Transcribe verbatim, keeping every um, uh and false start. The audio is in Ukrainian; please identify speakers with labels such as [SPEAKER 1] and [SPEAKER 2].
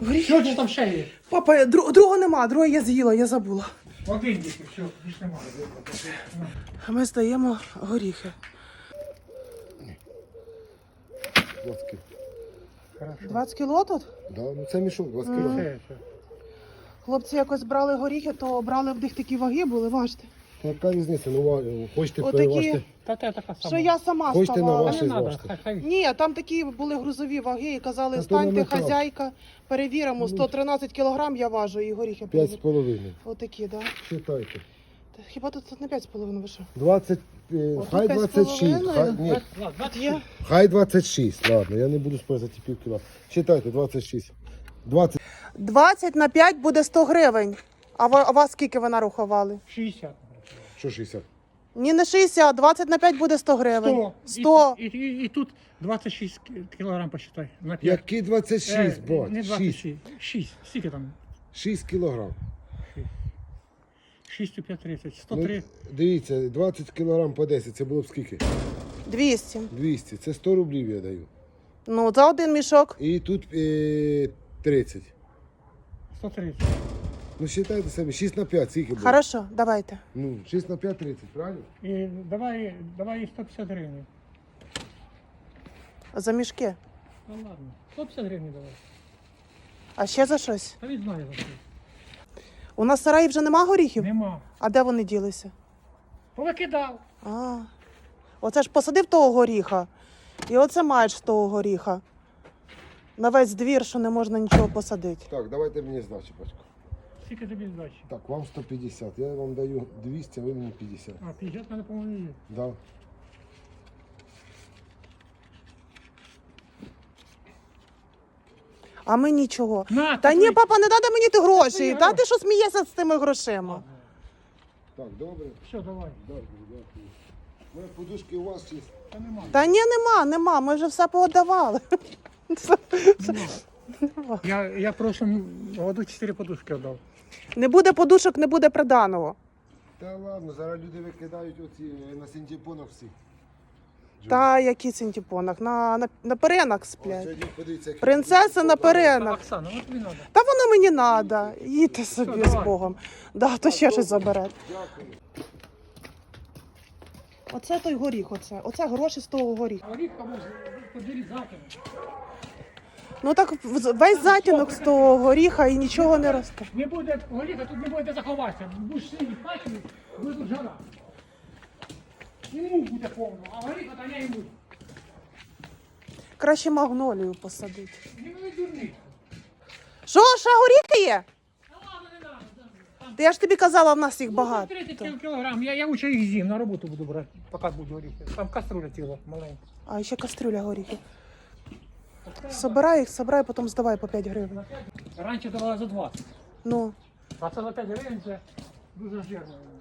[SPEAKER 1] Горіхи.
[SPEAKER 2] Що ж там ще є?
[SPEAKER 1] Папа, дру- другого нема, другого я з'їла, я забула.
[SPEAKER 2] Один тільки, все, більш немає.
[SPEAKER 1] А ми здаємо горіхи.
[SPEAKER 3] двадцять кіло.
[SPEAKER 2] Хорошо.
[SPEAKER 1] двадцять кіло тут?
[SPEAKER 3] Да, ну це мішок, двадцять кіло.
[SPEAKER 2] Все, все.
[SPEAKER 1] Хлопці якось брали горіхи, то брали в них такі ваги були, важте.
[SPEAKER 3] Та яка різниця? Ну, ва- хочете
[SPEAKER 1] Отакі.
[SPEAKER 3] переважте.
[SPEAKER 2] Та те така сама.
[SPEAKER 1] Що я сама
[SPEAKER 3] Хочете на
[SPEAKER 1] ставала.
[SPEAKER 3] ваші
[SPEAKER 2] Не треба,
[SPEAKER 3] зважте.
[SPEAKER 2] хай, хай.
[SPEAKER 1] Ні, там такі були грузові ваги і казали,
[SPEAKER 3] Та то
[SPEAKER 1] станьте,
[SPEAKER 3] на метал.
[SPEAKER 1] хазяйка, перевіримо, сто тринадцять кілограм я важу і горіхи
[SPEAKER 3] П'ять з
[SPEAKER 1] перевіримо.
[SPEAKER 3] половиною.
[SPEAKER 1] Отакі, так. Да.
[SPEAKER 3] Считайте.
[SPEAKER 1] Та хіба тут, тут не п'ять з половиною вийшов?
[SPEAKER 3] двадцять, е,
[SPEAKER 1] Отут
[SPEAKER 3] хай
[SPEAKER 1] п'ять з
[SPEAKER 3] двадцять шість. Хай,
[SPEAKER 1] половиною.
[SPEAKER 3] ні,
[SPEAKER 2] Ладно, двадцять
[SPEAKER 1] Є.
[SPEAKER 2] шість.
[SPEAKER 3] хай двадцять шість. Ладно, я не буду спорити за ті пів кіла. Считайте, двадцять шість. двадцять.
[SPEAKER 1] двадцять на п'ять буде сто гривень. А ва- а вас скільки ви нарахували?
[SPEAKER 2] шістдесят.
[SPEAKER 3] Що шістдесят?
[SPEAKER 1] Ні, не шістдесят, двадцять на п'ять буде сто гривень.
[SPEAKER 2] сто.
[SPEAKER 1] сто.
[SPEAKER 2] І, і, і, і тут двадцять шість кілограм посчитай. На п'ять.
[SPEAKER 3] Які двадцять шість,
[SPEAKER 2] Е,
[SPEAKER 3] бать?
[SPEAKER 2] Не
[SPEAKER 3] шість.
[SPEAKER 2] двадцять шість. шість. Скільки там?
[SPEAKER 3] шість кілограм.
[SPEAKER 2] шість у п'ять тридцять. сто
[SPEAKER 3] Ну,
[SPEAKER 2] три.
[SPEAKER 3] дивіться, двадцять кілограм по десять, це було б скільки?
[SPEAKER 1] двісті.
[SPEAKER 3] двісті. Це сто рублів я даю.
[SPEAKER 1] Ну, за один мішок.
[SPEAKER 3] І тут е, тридцять.
[SPEAKER 2] сто тридцять.
[SPEAKER 3] Ну, считайте собі, шість на п'ять, скільки буде?
[SPEAKER 1] Хорошо, давайте.
[SPEAKER 3] Ну, шість на п'ять тридцять, правильно?
[SPEAKER 2] І давай, давай їй сто п'ятдесят гривень.
[SPEAKER 1] За мішки.
[SPEAKER 2] Ну ладно. сто п'ятдесят гривень давай.
[SPEAKER 1] А ще за щось?
[SPEAKER 2] Та він знає за що.
[SPEAKER 1] У нас в сараї вже нема горіхів?
[SPEAKER 2] Нема.
[SPEAKER 1] А де вони ділися?
[SPEAKER 2] Повикидав.
[SPEAKER 1] А, оце ж посадив того горіха. І оце маєш того горіха. На весь двір, що не можна нічого посадити.
[SPEAKER 3] Так, давайте мені здачі, батько.
[SPEAKER 2] Скільки тобі здачі?
[SPEAKER 3] Так, вам сто п'ятдесят. Я вам даю двісті, а ви мені п'ятдесят.
[SPEAKER 2] А, п'ятдесят мене, по-моєму, є.
[SPEAKER 3] Да.
[SPEAKER 1] А ми нічого.
[SPEAKER 2] На,
[SPEAKER 1] Та
[SPEAKER 2] ти
[SPEAKER 1] ні,
[SPEAKER 2] твої-
[SPEAKER 1] папа, не треба мені ти гроші.
[SPEAKER 2] твої
[SPEAKER 1] Та
[SPEAKER 2] гроші.
[SPEAKER 1] ти що смієшся з тими грошима?
[SPEAKER 3] Так, добре.
[SPEAKER 2] Все, давай.
[SPEAKER 3] Дякую, дякую. У мене подушки у вас є.
[SPEAKER 2] Та нема.
[SPEAKER 1] Та ні, нема, нема, ми вже все поодавали.
[SPEAKER 2] Я, я в прошлом году чотири подушки віддав.
[SPEAKER 1] Не буде подушок, не буде приданого.
[SPEAKER 3] Та ладно, зараз люди викидають оці е, на синтепонах всі.
[SPEAKER 1] Та які синтепонах, на, на, на перенах
[SPEAKER 3] Ось
[SPEAKER 1] сплять.
[SPEAKER 3] сьогодні подивіться, які
[SPEAKER 1] Принцеса на перенах.
[SPEAKER 2] Оксана, от тобі треба.
[SPEAKER 1] Та воно мені треба. Їдьте собі
[SPEAKER 2] Все,
[SPEAKER 1] з
[SPEAKER 2] давай.
[SPEAKER 1] Богом. Да, то ще щось забере.
[SPEAKER 3] Дякую.
[SPEAKER 1] Оце той горіх, оце. Оце гроші з того горіха.
[SPEAKER 2] А рідко може поділити закину.
[SPEAKER 1] Ну так в- весь затінок з того горіха і нічого не росте.
[SPEAKER 2] Не буде горіха, тут не буде де заховатися. Будеш сидіти в хаті, буде тут жара. І мух буде повно, а горіха та не йому.
[SPEAKER 1] Краще магнолію посадити.
[SPEAKER 2] Не ви дурний.
[SPEAKER 1] Що, ще горіхи є?
[SPEAKER 2] Та ладно, не треба.
[SPEAKER 1] Та я ж тобі казала, в нас їх
[SPEAKER 2] Багато.
[SPEAKER 1] багато.
[SPEAKER 2] тридцять кілограм. Я, я лучше їх з'їм, на роботу буду брати, поки будуть горіхи. Там каструля ціла маленька.
[SPEAKER 1] А ще кастрюля горіхів. Собирай їх, собирай, потім здавай по п'ять гривень.
[SPEAKER 2] Раніше давала за двадцять.
[SPEAKER 1] Ну.
[SPEAKER 2] А це за п'ять гривень це дуже жирно.